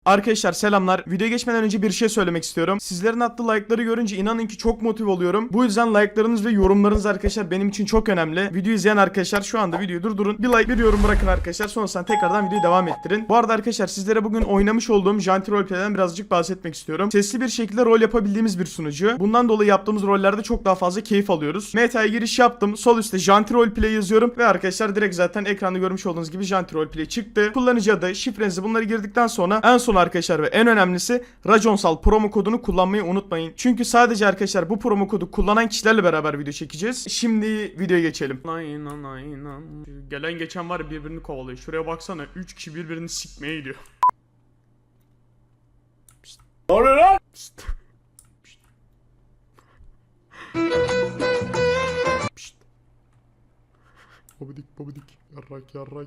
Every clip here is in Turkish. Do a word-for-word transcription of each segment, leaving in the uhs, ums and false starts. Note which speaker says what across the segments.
Speaker 1: Arkadaşlar selamlar. Videoya geçmeden önce bir şey söylemek istiyorum. Sizlerin attığı like'ları görünce inanın ki çok motive oluyorum. Bu yüzden like'larınız ve yorumlarınız arkadaşlar benim için çok önemli. Videoyu izleyen arkadaşlar şu anda videoyu durdurun. Bir like bir yorum bırakın arkadaşlar. Sonrasında tekrardan videoyu devam ettirin. Bu arada arkadaşlar sizlere bugün oynamış olduğum Janti Roleplay'den birazcık bahsetmek istiyorum. Sesli bir şekilde rol yapabildiğimiz bir sunucu. Bundan dolayı yaptığımız rollerde çok daha fazla keyif alıyoruz. Meta'ya giriş yaptım. Sol üstte Janti Roleplay yazıyorum ve arkadaşlar direkt zaten ekranda görmüş olduğunuz gibi Janti Roleplay çıktı. Kullanıcı adı, şifrenizi bunları girdikten sonra en son arkadaşlar ve en önemlisi Raconsal promo kodunu kullanmayı unutmayın. Çünkü sadece arkadaşlar bu promo kodu kullanan kişilerle beraber video çekeceğiz. Şimdi videoya geçelim. Aynen aynen. Gelen geçen var ya birbirini kovalıyor. Şuraya baksana üç kişi birbirini sikmeye gidiyor. Pişt. Ne oluyor lan? Pişt. Pişt. Pişt. Babadik babadik. Yarrak yarrak.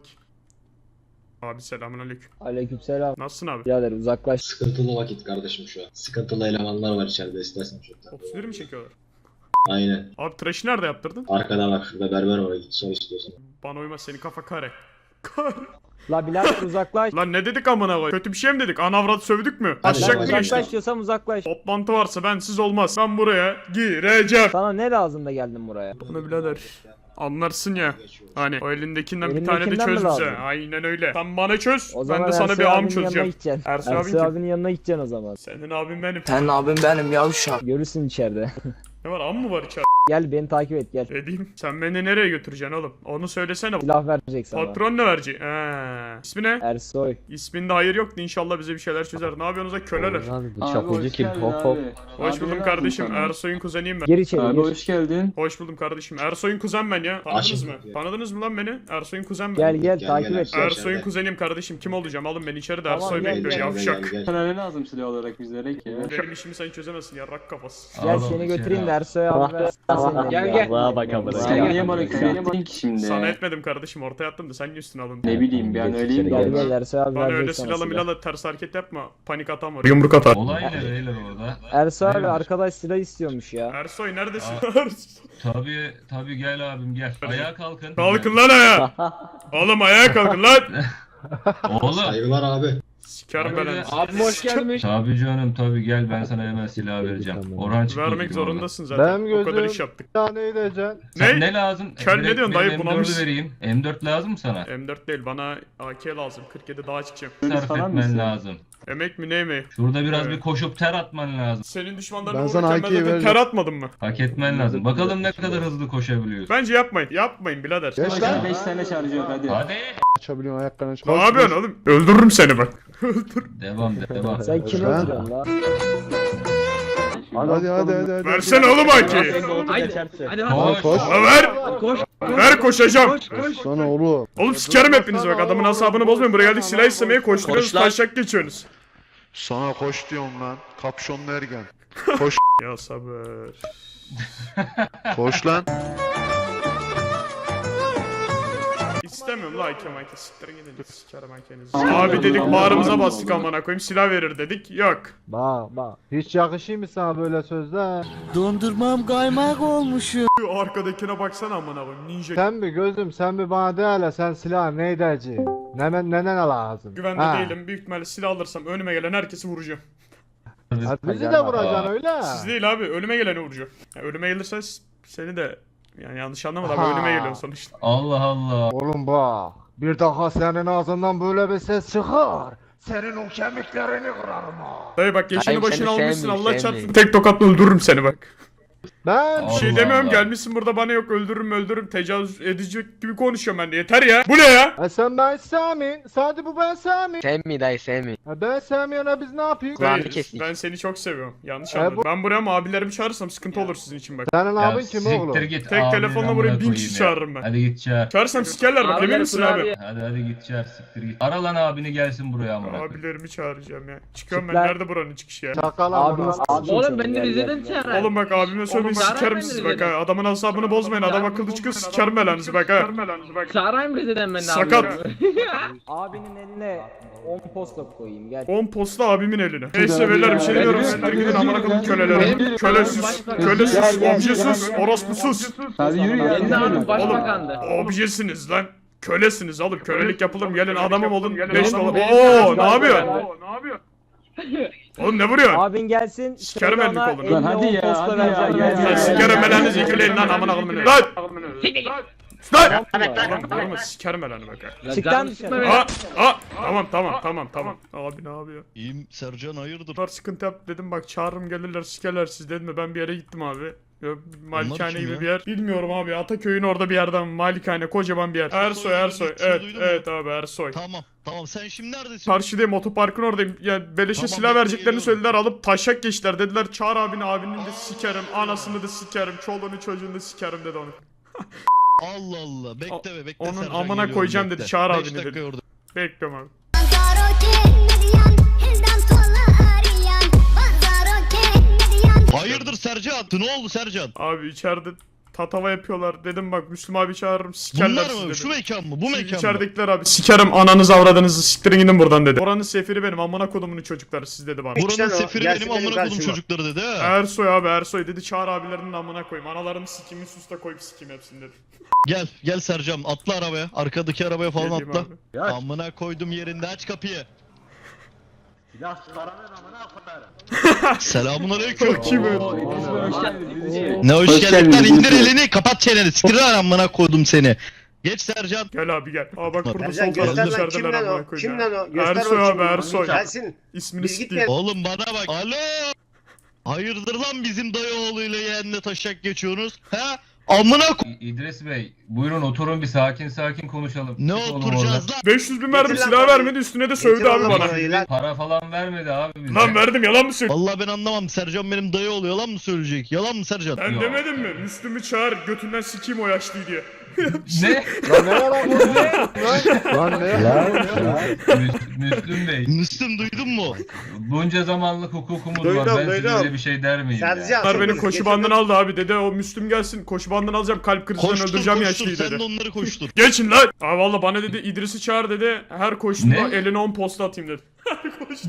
Speaker 1: Abi selamünaleyküm.
Speaker 2: Aleykümselam.
Speaker 1: Nasılsın abi?
Speaker 2: Birader uzaklaş.
Speaker 3: Sıkıntılı vakit kardeşim şu an. Sıkıntılı elemanlar var içeride, istersen çoktan.
Speaker 1: otuz bir mi çekiyorlar?
Speaker 3: Aynen.
Speaker 1: Abi tıraşı nerede yaptırdın?
Speaker 3: Arkada bak, şurada berber var, git sor istiyorsan.
Speaker 1: Bana uymaz, senin kafa kare. Kare.
Speaker 2: La birader uzaklaş.
Speaker 1: Lan ne dedik amına koy? Kötü bir şey mi dedik? Anavrat sövdük mü?
Speaker 3: Hadi
Speaker 1: Aşacak
Speaker 3: lan,
Speaker 1: mı
Speaker 3: hadi.
Speaker 1: geçtik?
Speaker 2: Uzaklaş diyorsam uzaklaş.
Speaker 1: Toplantı varsa bensiz olmaz. Ben buraya gireceğim.
Speaker 2: Sana ne lazım da geldin buraya?
Speaker 1: Bana birader. Anlarsın ya. Hani o elindekinden bir tane de
Speaker 2: Elindekinden mi
Speaker 1: çöz bize.
Speaker 2: lazım?
Speaker 1: Aynen öyle. Sen bana çöz.
Speaker 2: O
Speaker 1: Ben
Speaker 2: zaman
Speaker 1: de sana
Speaker 2: Ersoy
Speaker 1: bir am
Speaker 2: abinin yanına
Speaker 1: çözeceğim.
Speaker 2: gideceksin.
Speaker 1: Ersoy abin
Speaker 2: Ersoy
Speaker 1: kim?
Speaker 2: abinin yanına gideceksin o zaman.
Speaker 1: Senin abin benim.
Speaker 4: Sen abim benim yavşak.
Speaker 2: Görürsün içeride.
Speaker 1: Ne var, am mı var içeride?
Speaker 2: Gel beni takip et gel.
Speaker 1: Edeyim. Sen beni nereye götüreceksin oğlum? Onu söylesene.
Speaker 2: Silah verecek sana.
Speaker 1: Patron ne verecek? Eee. İsmi ne?
Speaker 2: Ersoy.
Speaker 1: İsminde hayır yoktu, inşallah bize bir şeyler çözer. Ne yapıyorsunuz lan köleler?
Speaker 5: Abi bu çapulcu kim? Hop hop.
Speaker 1: Hoş buldum kardeşim. Ersoy'un kuzeniyim ben.
Speaker 2: Gir içeri
Speaker 5: Abi
Speaker 2: gir.
Speaker 5: hoş geldin.
Speaker 1: Hoş buldum kardeşim. Ersoy'un kuzen ben ya. Tanıdınız
Speaker 3: Aşık
Speaker 1: mı?
Speaker 3: ya.
Speaker 1: Tanıdınız mı lan beni? Ersoy'un kuzen ben.
Speaker 2: Gel gel
Speaker 3: Gel,
Speaker 2: takip
Speaker 3: gel
Speaker 2: et.
Speaker 3: Ersoy.
Speaker 2: gel.
Speaker 1: Ersoy'un
Speaker 3: içeride.
Speaker 1: kuzeniyim kardeşim. Kim olacağım? Alın beni içeri de
Speaker 2: Tamam,
Speaker 1: Ersoy
Speaker 2: gel,
Speaker 1: bekliyor
Speaker 2: gel,
Speaker 1: yavşak.
Speaker 3: gel.
Speaker 5: Sana ne lazım silah olarak bizlere ki?
Speaker 1: Benim işimi sen çözemezsin yarrak kafası.
Speaker 2: Gel
Speaker 4: Oğlum,
Speaker 2: seni
Speaker 4: içeri
Speaker 2: götüreyim de
Speaker 4: al.
Speaker 2: Ersoy abi versin seni.
Speaker 5: Gel, gel.
Speaker 6: Allah'a bak amına.
Speaker 5: Sen
Speaker 2: Gel,
Speaker 5: niye
Speaker 2: gel.
Speaker 5: bana küfür ettin ki şimdi?
Speaker 1: Sana etmedim kardeşim, ortaya attım da sen niye üstüne alındın?
Speaker 5: Ne bileyim ben öyleyim
Speaker 2: Gel
Speaker 5: de.
Speaker 2: gel Ersoy abi
Speaker 1: Bana öyle
Speaker 2: verecek sana
Speaker 1: silahla
Speaker 2: silah.
Speaker 1: milahla ters hareket yapma. Panik atan var. Yumruk atar.
Speaker 4: Olay ne beyler orada?
Speaker 2: Ersoy abi
Speaker 4: Neymiş?
Speaker 2: arkadaş silah istiyormuş ya.
Speaker 1: Ersoy neredesin?
Speaker 4: Tabii tabii gel abim gel. Ayağa kalkın.
Speaker 1: Kalkın lan ayağa. Oğlum ayağa kalkın lan.
Speaker 4: Oğlum.
Speaker 3: Saygılar abi.
Speaker 1: Sikerim
Speaker 4: Hadi
Speaker 1: ben.
Speaker 4: be.
Speaker 5: Abim hoş gelmiş.
Speaker 4: Tabii canım tabii gel ben sana hemen silah vereceğim. Orhan çıktı.
Speaker 1: Vermek zorundasın zaten.
Speaker 6: Benim
Speaker 1: O kadar
Speaker 6: gözüm-
Speaker 1: iş yaptık.
Speaker 6: Ya ne edeceksin?
Speaker 4: Sen
Speaker 1: Ne?
Speaker 4: ne lazım?
Speaker 1: Kel ne
Speaker 4: Direkt
Speaker 1: diyorsun
Speaker 4: benim
Speaker 1: dayı,
Speaker 4: M
Speaker 1: bunamış.
Speaker 4: dördü vereyim. M dört lazım mı sana?
Speaker 1: M dört değil, bana A K lazım. kırk yedi daha çıkacağım.
Speaker 4: Sarf
Speaker 5: sarar
Speaker 4: etmen
Speaker 5: mısın?
Speaker 4: lazım.
Speaker 1: Emek mi ne emeği?
Speaker 4: Şurada biraz
Speaker 1: Evet.
Speaker 4: bir koşup ter atman lazım.
Speaker 1: Senin düşmanlarına
Speaker 6: Ben sana
Speaker 1: vururken ben
Speaker 6: A K'yi
Speaker 1: zaten
Speaker 6: vereceğim.
Speaker 1: ter atmadım mı?
Speaker 4: Hak etmen lazım. Bakalım ne kadar hızlı koşabiliyorsun.
Speaker 1: Bence yapmayın. Yapmayın birader.
Speaker 6: Geç lan.
Speaker 5: beş tane şarjı yok hadi.
Speaker 4: Hadi.
Speaker 6: Açabiliyorsun ayaklarını.
Speaker 1: Ne yapıyorsun oğlum? Öldürürüm seni bak.
Speaker 4: Devam devam.
Speaker 2: Sen kimi
Speaker 6: Lan.
Speaker 2: öldürüyorsun la?
Speaker 6: Hadi hadi hadi hadi.
Speaker 1: Versene oğlum A K'yi.
Speaker 4: Koş.
Speaker 6: Koş.
Speaker 1: La ver. Ver koşacağım.
Speaker 6: Sana oğlum.
Speaker 1: Oğlum sikerim hepinizi bak. Adamın asabını bozmayın. Buraya geldik silah istemeye koşturuyoruz. Taşak geçiyorsunuz.
Speaker 7: Sana koş diyorum lan. Kapşonlu ergen. Koş.
Speaker 1: Ya sabır.
Speaker 7: Koş lan.
Speaker 1: İstemiyorum la A K mayke. Siktirin gidin. Sikerim A K'nizi. Abi dedik bağrımıza bastık amına koyayım. Silah verir dedik. Yok.
Speaker 6: Bak bak. Hiç yakışıyor mu sana böyle sözler?
Speaker 8: Dondurmam kaymak olmuş.
Speaker 1: Şu arkadakine baksana amına koyayım. Ninja.
Speaker 6: Sen mi gözüm sen mi bana de hele sen silah ne edeceksin? Ne ne ne lazım?
Speaker 1: Güvende
Speaker 6: Ha.
Speaker 1: değilim. Büyük ihtimalle silah alırsam önüme gelen herkesi vuracağım.
Speaker 6: Ha, bizi de vuracaksın öyle.
Speaker 1: Siz değil abi. Önüme geleni vuracağım. Yani önüme gelirse s- seni de yani yanlış anlama da abi
Speaker 6: Ha.
Speaker 1: önüme geliyorsun sonuçta.
Speaker 4: Allah Allah.
Speaker 6: Oğlum bak. Bir daha senin ağzından böyle bir ses çıkar. Senin o kemiklerini kırarım ha.
Speaker 1: Dayı bak yaşını
Speaker 8: Hayır,
Speaker 1: başını
Speaker 8: seni
Speaker 1: almışsın
Speaker 8: sevmiyorum,
Speaker 1: Allah
Speaker 8: sevmiyorum.
Speaker 1: çarpsın. Tek tokatla öldürürüm seni bak.
Speaker 6: Ben
Speaker 1: Bir şey
Speaker 4: Allah
Speaker 1: demiyorum,
Speaker 4: Allah.
Speaker 1: gelmişsin burada bana yok öldürürüm öldürürüm tecavüz edecek gibi konuşuyorum ben de, yeter ya. Bu ne ya?
Speaker 6: E sen ben Sami. Sadece bu ben Sami.
Speaker 8: Sevmi dayı sevmi.
Speaker 6: E ben Sami'ye biz ne yapıyoruz?
Speaker 8: Kulağını
Speaker 1: Dayı,
Speaker 8: kestik.
Speaker 1: ben seni çok seviyorum. Yanlış
Speaker 6: E,
Speaker 1: anladın.
Speaker 6: bu-
Speaker 1: Ben buraya ama abilerimi çağırırsam sıkıntı olur sizin için bak.
Speaker 6: Senin
Speaker 4: Ya
Speaker 6: abin kim
Speaker 4: siktir
Speaker 6: oğlum?
Speaker 4: git.
Speaker 1: Tek
Speaker 4: abinin
Speaker 1: telefonla
Speaker 4: amına
Speaker 1: buraya bin
Speaker 4: koyayım
Speaker 1: kişi
Speaker 4: ya.
Speaker 1: çağırırım ben.
Speaker 4: Hadi git çağır.
Speaker 1: Çağırsam sikerler bak, emin misin abi?
Speaker 4: Hadi hadi git çağır siktir git. Ara lan abini gelsin buraya amına koyayım.
Speaker 1: Abilerimi çağıracağım ya. Çıkıyorum ben,
Speaker 2: Çıklar.
Speaker 1: nerede buranın çıkışı ya?
Speaker 6: Çakal
Speaker 2: Abimiz
Speaker 6: amına.
Speaker 2: Oğlum ben de Rize'den çağır.
Speaker 1: Oğlum bak abime söylemeyin,
Speaker 9: Oğlum,
Speaker 1: sikerim
Speaker 9: ben
Speaker 1: sizi
Speaker 9: de
Speaker 1: bak ha. Adamın asabını bozmayın, adam akıllı çıkıyor, sikerim belanızı bak ha.
Speaker 9: Çağırayım Rize'den ben de
Speaker 1: Sakat.
Speaker 2: Abinin eline on posta koyayım gel.
Speaker 1: on posta abimin eline. Neyse beyler bir şey demiyorum, siktir gidin amına koyayım kölelere. Köle sus, köle sus, obje sus, orospu sus.
Speaker 5: Hadi yürü ya.
Speaker 9: Kendi abim
Speaker 5: yürü.
Speaker 9: başbakandı.
Speaker 1: Objesiniz lan. Kölesiniz oğlum. Kölelik yapılır mı? Gelin adamım olun. beş
Speaker 2: Benim-
Speaker 1: dolar.
Speaker 2: benim-
Speaker 1: Oo ne
Speaker 2: benim-
Speaker 1: yapıyorsun? Oğlum ne vuruyorsun?
Speaker 2: Abin gelsin.
Speaker 1: Sikerim
Speaker 2: söyle
Speaker 1: elini
Speaker 2: ona
Speaker 1: kolunu.
Speaker 2: elli
Speaker 5: Lan hadi
Speaker 2: on
Speaker 5: ya,
Speaker 2: posta
Speaker 5: hadi
Speaker 2: vereceğim.
Speaker 5: ya,
Speaker 2: Gel,
Speaker 5: hadi
Speaker 2: gel,
Speaker 5: ya.
Speaker 2: gel.
Speaker 1: Sikerim belanızı yükleyin lan amına koyayım. Lan! Lan! Oğlum vurma sikerim belanı bak. ha.
Speaker 2: Çık lan dışarı.
Speaker 1: Aa, aa, tamam tamam tamam tamam. Abi ne yapıyor?
Speaker 7: İyiyim Sercan hayırdır?
Speaker 1: Bunlar sıkıntı yap dedim bak çağırırım gelirler sikerler siz dedim mi ben bir yere gittim abi. Yok, Malikane
Speaker 7: kim
Speaker 1: gibi
Speaker 7: ya?
Speaker 1: bir yer. Bilmiyorum abi Ataköy'ün orada bir yerden Malikane kocaman bir yer. Ersoy Ersoy.
Speaker 7: gittiğini
Speaker 1: Evet
Speaker 7: duydun mu?
Speaker 1: evet abi Ersoy.
Speaker 7: Tamam tamam sen şimdi neredesin?
Speaker 1: Karşıdayım otoparkın oradayım. Ya beleşe
Speaker 7: Tamam,
Speaker 1: silah
Speaker 7: bekle,
Speaker 1: vereceklerini
Speaker 7: geliyorum.
Speaker 1: söylediler alıp taşak geçtiler dediler çağır abini abinin de sikerim anasını da sikerim çoluğunu çocuğunu da sikerim dedi onu.
Speaker 7: Allah Allah bekle be bekle
Speaker 1: onun
Speaker 7: Sercan,
Speaker 1: amına
Speaker 7: geliyorum,
Speaker 1: koyacağım
Speaker 7: bekle.
Speaker 1: dedi, çağır
Speaker 7: Beş
Speaker 1: abini
Speaker 7: dakika
Speaker 1: dedi.
Speaker 7: orada.
Speaker 1: Bekliyorum abi.
Speaker 7: Hayırdır Sercan? Ne oldu Sercan?
Speaker 1: Abi içeride tatava yapıyorlar dedim bak Müslüm abi çağırırım sikerler
Speaker 7: Bunlar
Speaker 1: sizi
Speaker 7: mı?
Speaker 1: dedi.
Speaker 7: Şu mekan mı? Bu
Speaker 1: Siz
Speaker 7: mekan mı?
Speaker 1: içeridekiler abi sikerim ananızı avradınızı siktirin gidin buradan dedi. Oranın sefiri benim amına kodumunun çocukları siz dedi bana.
Speaker 7: Buranın sefiri benim amına kodum çocukları dedi ha.
Speaker 1: Ersoy abi Ersoy dedi çağır abilerinin amına koyayım. Analarını sikimi susta koyup sikim hepsini dedi.
Speaker 7: Gel gel Sercan atla arabaya. Arkadaki arabaya falan
Speaker 1: Geleyim
Speaker 7: atla.
Speaker 1: abi.
Speaker 7: Amına koydum yerinde aç kapıyı.
Speaker 6: Silah çıkaramıyor amına koyarım.
Speaker 7: Selamun aleyküm.
Speaker 1: Kim öyle?
Speaker 5: Hoş geldiniz.
Speaker 7: Ne hoş,
Speaker 5: Hoş
Speaker 7: geldin lan
Speaker 5: geldiniz,
Speaker 7: indir
Speaker 5: Yusuf.
Speaker 7: elini kapat çeneni siktir lan amına koydum seni. Geç Sercan.
Speaker 1: Gel abi gel. Aa bak burada
Speaker 3: Sercan
Speaker 1: sol tarafta
Speaker 3: göster lan kim
Speaker 1: içerideler
Speaker 3: lan
Speaker 1: amına
Speaker 3: o?
Speaker 1: koyayım
Speaker 3: Kim
Speaker 1: ya.
Speaker 3: lan o? Göster
Speaker 1: Ersoy
Speaker 3: bakayım.
Speaker 1: abi Ersoy.
Speaker 3: Gelsin.
Speaker 1: İsmini
Speaker 3: Biz
Speaker 1: sikeyim.
Speaker 3: gitmeyelim.
Speaker 7: Oğlum bana bak. Alo. Hayırdır lan bizim dayı oğluyla yeğenle taşak geçiyorsunuz? Ha? Amına ko...
Speaker 4: İ- İdris Bey, buyurun oturun bir sakin sakin konuşalım.
Speaker 7: Ne
Speaker 4: Siz olun
Speaker 7: oturacağız
Speaker 4: orada.
Speaker 7: lan?
Speaker 1: beş yüz bin verdim
Speaker 3: Getir lan
Speaker 1: silah
Speaker 3: parayı.
Speaker 1: vermedi üstüne de sövdü
Speaker 3: Getir
Speaker 1: abi
Speaker 3: oğlum
Speaker 1: bana.
Speaker 3: parayı lan.
Speaker 4: Para falan vermedi abi bize.
Speaker 1: Lan verdim yalan mı söylüyorsun?
Speaker 7: Vallahi ben anlamam. Sercan benim dayı oluyor. Yalan mı söyleyecek? Yalan mı Sercan?
Speaker 1: Ben
Speaker 4: Yok.
Speaker 1: demedim mi? Müslüm'ü çağır götünden sikeyim o yaşlıyı diye.
Speaker 4: Ne?
Speaker 6: Lan ne yalan bu? Lan ne yalan?
Speaker 4: Müs- Müslüm Bey,
Speaker 7: Müslüm duydun mu?
Speaker 4: bunca zamanlık hukukumuz
Speaker 3: Duydum,
Speaker 4: var. Ben size
Speaker 3: duydum.
Speaker 4: öyle bir şey der miyim ya?
Speaker 3: Sercan.
Speaker 1: Bunlar beni
Speaker 3: Getir
Speaker 1: koşu
Speaker 3: lan.
Speaker 1: bandına aldı abi dedi o Müslüm gelsin koşu bandına alacağım kalp krizinden
Speaker 7: Koştur
Speaker 1: öldüreceğim
Speaker 7: koştur
Speaker 1: yaşlıyı
Speaker 7: sen
Speaker 1: dedi.
Speaker 7: de onları koştur.
Speaker 1: Geçin lan. Aa valla bana dedi İdris'i çağır dedi. Her koştuğunda
Speaker 4: Ne?
Speaker 1: eline on posta atayım dedi. Her koştu.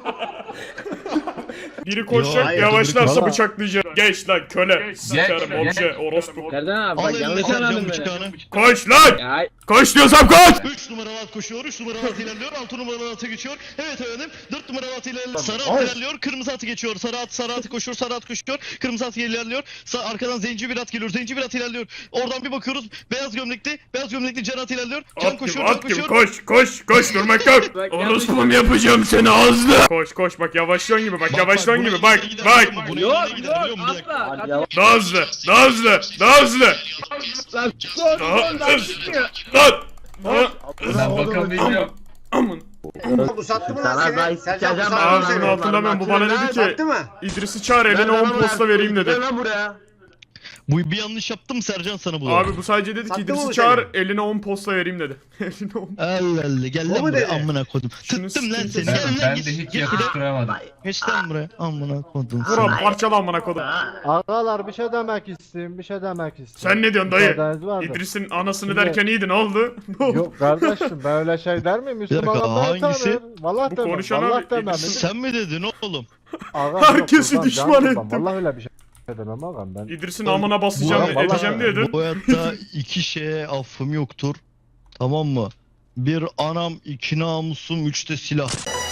Speaker 1: Biri koşacak
Speaker 3: hayır,
Speaker 1: yavaşlarsa
Speaker 6: Valla.
Speaker 1: bıçaklayacak. Geç lan köle. Sikerim
Speaker 4: gel.
Speaker 1: obje orospu.
Speaker 9: Serdan abi
Speaker 7: Al
Speaker 9: bak
Speaker 7: eline
Speaker 9: yanlış
Speaker 7: Sercan
Speaker 9: anladın beni.
Speaker 7: bıçağını.
Speaker 1: Koş lan.
Speaker 9: Ya
Speaker 1: Koş diyorsam koş.
Speaker 7: üç numaralı at koşuyor, üç numaralı at ilerliyor, altı numaralı atı geçiyor. Evet efendim, dört numaralı at ilerliyor, sarı at ilerliyor, kırmızı atı geçiyor, sarı at, sarı atı koşuyor, sarı at koşuyor, kırmızı at ilerliyor, Sa arkadan zenci bir at geliyor, zenci bir at ilerliyor. Oradan bir bakıyoruz, beyaz gömlekli, beyaz gömlekli can at ilerliyor, can
Speaker 1: At gibi
Speaker 7: koşuyor, can
Speaker 1: at gibi
Speaker 7: koşuyor.
Speaker 1: koş koş koş durmak yok.
Speaker 9: Bak,
Speaker 1: Orospum yapacağım seni ağzına. Koş koş bak yavaşlıyorsun gibi bak yavaşlıyorsun gibi bak bak.
Speaker 9: yok yok asla.
Speaker 1: Daha hızlı daha hızlı daha hızlı.
Speaker 9: Lan son
Speaker 1: Daha
Speaker 9: son daha
Speaker 1: hızlı.
Speaker 9: çıkmıyor.
Speaker 1: Lan. Lan.
Speaker 4: Ben bakamayacağım.
Speaker 1: Aman.
Speaker 3: Bu sattı mı lan
Speaker 8: Sana
Speaker 3: seni?
Speaker 8: ben
Speaker 3: Sercan bu
Speaker 8: sikeceğim
Speaker 3: sattı mı
Speaker 1: Ağzını
Speaker 3: seni?
Speaker 1: hatırlamıyorum bu bana dedi ki
Speaker 3: Sattı mı?
Speaker 1: İdris'i çağır eline on posta vereyim dedi.
Speaker 8: Gel lan buraya.
Speaker 7: Bu bir yanlış yaptım Sercan sana bu.
Speaker 1: Abi bu sadece dedi ki
Speaker 3: Sattı mı
Speaker 1: İdris'i
Speaker 3: bu
Speaker 1: çağır
Speaker 3: seni?
Speaker 1: eline on posta vereyim dedi. Eline on.
Speaker 7: Allah Allah gel
Speaker 3: O
Speaker 7: lan
Speaker 3: mu
Speaker 7: buraya
Speaker 3: dedi?
Speaker 7: amına kodum.
Speaker 1: Şunu
Speaker 7: Tuttum lan
Speaker 1: sikeyim
Speaker 7: seni.
Speaker 1: seni.
Speaker 7: Gel lan
Speaker 4: Ben
Speaker 7: git.
Speaker 4: de hiç
Speaker 7: Git
Speaker 4: yakıştıramadım.
Speaker 7: Geç lan buraya amına kodum.
Speaker 1: Buram parçala amına kodum.
Speaker 6: Ağalar bir şey demek istiyorum, bir şey demek istiyorum.
Speaker 1: Sen ne diyorsun dayı?
Speaker 6: Müsaadeniz var mı?
Speaker 1: İdris'in anasını
Speaker 6: Şimdi-
Speaker 1: derken iyiydi ne oldu? Ne oldu?
Speaker 6: Yok kardeşim ben öyle şey der miyim? Müslüman
Speaker 7: dakika,
Speaker 6: adamları
Speaker 7: hangisi?
Speaker 6: tanır. Vallahi
Speaker 1: Bu
Speaker 6: demem,
Speaker 1: konuşan
Speaker 6: vallahi
Speaker 1: abi,
Speaker 6: demem.
Speaker 1: İdris-
Speaker 7: Sen mi dedin oğlum?
Speaker 6: Ağam,
Speaker 1: Herkesi
Speaker 6: yok, kurban,
Speaker 1: düşman
Speaker 6: can kurban.
Speaker 1: ettim.
Speaker 6: Vallahi öyle bir şey demem ağam ben.
Speaker 1: İdris'in amına basacağım
Speaker 6: Bu- vallahi-
Speaker 1: edeceğim diyordun.
Speaker 7: Bu hayatta iki şeye affım yoktur. Tamam mı? Bir anam, iki namusum, üç de silah.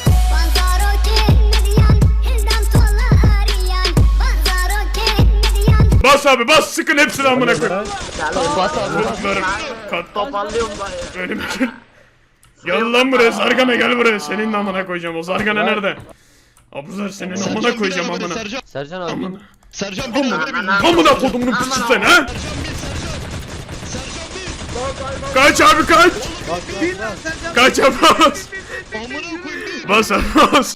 Speaker 1: Bas abi bas sıkın hepsini amına koy.
Speaker 8: Bas abi.
Speaker 1: Çocuklarım. Kat.
Speaker 8: Toparlıyorum dayı.
Speaker 1: Önüme gel. Gel lan buraya Zargana gel buraya. Senin de amına koyacağım. O Zargana nerede? Abuzar senin amına
Speaker 7: Sercan bir
Speaker 1: koyacağım
Speaker 7: arabada,
Speaker 1: amına.
Speaker 7: Sercan.
Speaker 8: Sercan abi.
Speaker 1: Amına.
Speaker 7: Sercan bir arabada bir.
Speaker 1: Amına kodumunun piçi sen ha?
Speaker 7: Sercan bir, Sercan. Sercan bir.
Speaker 1: Kaç abi kaç. Kaç abi bas.
Speaker 7: Amına koyayım bir.
Speaker 1: Bas abi bas.